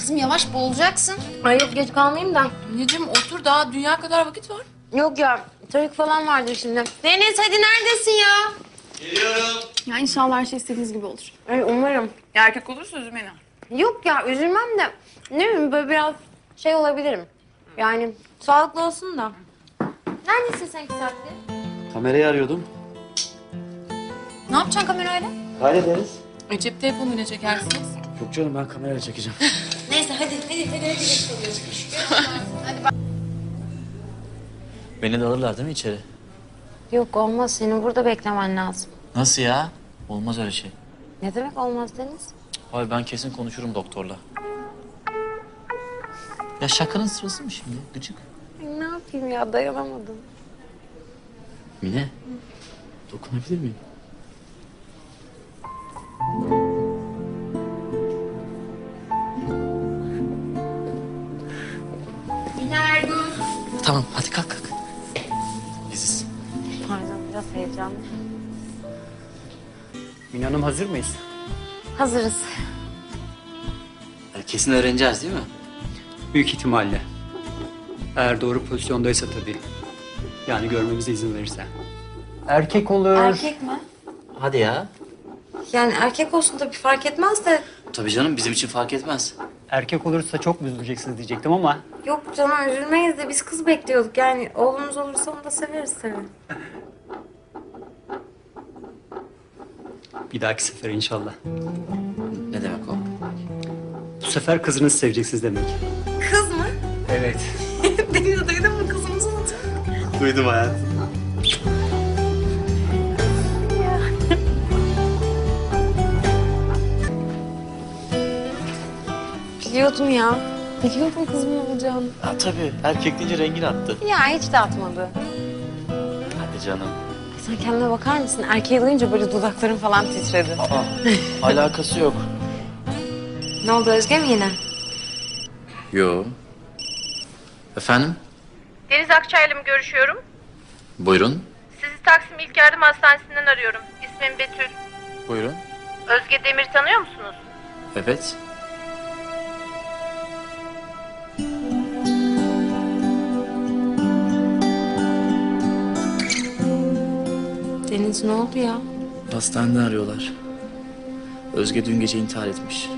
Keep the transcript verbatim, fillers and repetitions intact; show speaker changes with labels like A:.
A: kızım yavaş boğulacaksın.
B: Ay yok geç kalmayayım da.
C: Anneciğim otur, daha dünya kadar vakit var.
B: Yok ya trafik falan vardır şimdi. Deniz hadi neredesin ya?
D: Geliyorum.
A: Ya inşallah her şey istediğiniz gibi olur.
B: Ay umarım.
C: Erkek olursa üzüm beni.
B: Yok ya üzülmem de ne bileyim böyle biraz şey olabilirim. Yani sağlıklı olsun da. Neredesin sen iki saattir?
D: Kamerayı arıyordum.
A: Ne yapacaksın kamerayla?
D: Hallederiz.
C: E, cep telefonuyla çekersiniz.
D: Yok canım, ben kamerayla çekeceğim.
B: Neyse hadi hadi hadi hadi.
D: Beni de alırlar değil mi içeri?
B: Yok olmaz senin burada beklemen lazım.
D: Nasıl ya? Olmaz öyle şey.
B: Ne demek olmaz Deniz?
D: Hayır, ben kesin konuşurum doktorla. Ya şakanın sırası mı şimdi? Gıcık.
B: Ay, ne yapayım ya dayanamadım.
D: Mine, dokunabilir miyim?
B: Günaydın.
D: Tamam, hadi kalk kalk. Biziz.
B: Pardon biraz heyecanlı.
E: Mine Hanım hazır mıyız?
B: Hazırız.
D: Ya kesin öğreneceğiz değil mi?
E: Büyük ihtimalle. Eğer doğru pozisyondaysa tabii. Yani görmemize izin verirse. Erkek olur.
B: Erkek mi?
D: Hadi ya.
B: Yani erkek olsun tabii fark etmez de.
D: Tabii canım, bizim için fark etmez.
E: Erkek olursa çok mu üzüleceksiniz diyecektim ama
B: Yok canım üzülmeyiz de biz kız bekliyorduk. Yani oğlumuz olursa onu da severiz tabii.
E: bir dahaki sefer inşallah.
D: Ne demek o?
E: Bu sefer kızınızı seveceksiniz demek.
B: Kız mı?
E: Evet.
B: Deniz duydun mu kızımızı olacak?
D: Duydum hayatım.
B: Biliyordum ya. Biliyordum kızımın olacağını.
D: Ha tabii, erkek deyince rengini attı.
B: Ya hiç de atmadı.
D: Hadi canım.
B: Sen kendine bakar mısın? Erkeği duyunca böyle dudakların falan titredi.
D: Aa, alakası yok.
B: Ne oldu Özge mi yine?
D: Yo. Efendim?
F: Deniz Akçay'la mı görüşüyorum?
D: Buyurun.
F: Sizi Taksim İlk Yardım Hastanesi'nden arıyorum. İsmim Betül.
D: Buyurun.
F: Özge Demir tanıyor musunuz?
D: Evet.
B: Deniz ne oldu ya?
D: Hastaneden arıyorlar. Özge dün gece intihar etmiş.